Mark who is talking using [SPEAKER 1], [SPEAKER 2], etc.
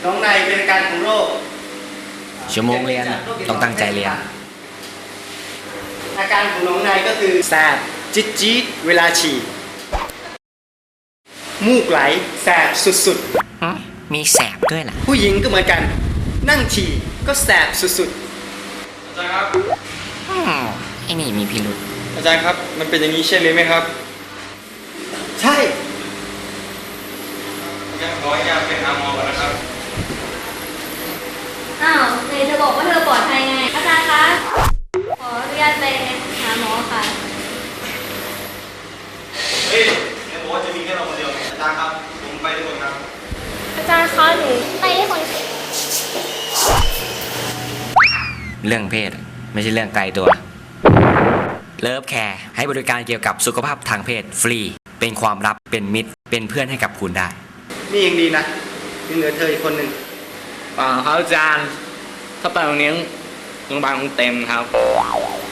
[SPEAKER 1] น้องในเป็นอาการของโรค
[SPEAKER 2] ชั่วโมงเรียนต้องตั้งใจเรียน
[SPEAKER 1] อาการของน้องในก็คือแสบจี๊ดเวลาฉี่มูกไหลแสบสุด
[SPEAKER 2] มีแสบด้วยล่ะ
[SPEAKER 1] ๆผู้หญิงก็เหมือนกัน นั่งฉี่ก็แสบสุด
[SPEAKER 3] อาจารย์ครับ
[SPEAKER 2] ไอ้นี่มีพิรุษ
[SPEAKER 3] อาจารย์ครับ มันเป็นอย่างนี้ใช่หรือไม่ครับ
[SPEAKER 1] ๆ ใช่
[SPEAKER 3] ยังขอให้ยาไปหาหมอก่อนนะครับ
[SPEAKER 4] อ้าวไหนเธอบอกว่าเธอปลอดภัยไง อาจารย์คะ ขออนุญาตไปหาหมอค่ะ
[SPEAKER 3] เฮ้ยเดี๋ยวบอกว่าจะมีแค่เราคนเดียวไงอาจารย์ครับ ผมไปด้วยคนครับ
[SPEAKER 4] อาจารย์คะหนูไปที่คน
[SPEAKER 2] เรื่องเพศไม่ใช่เรื่องไกลตัว เลิฟแคร์ให้บริการเกี่ยวกับสุขภาพทางเพศฟรี เป็นความลับเป็นมิตร เป็นเพื่อนให้กับคุณได้
[SPEAKER 1] นี่ยังดีนะยังเหลือเธออีกคนหนึ่ง
[SPEAKER 5] เปล่าครับอาจารย์ ถ้าไปวันนี้โรงพยาบาลคงเต็มครับ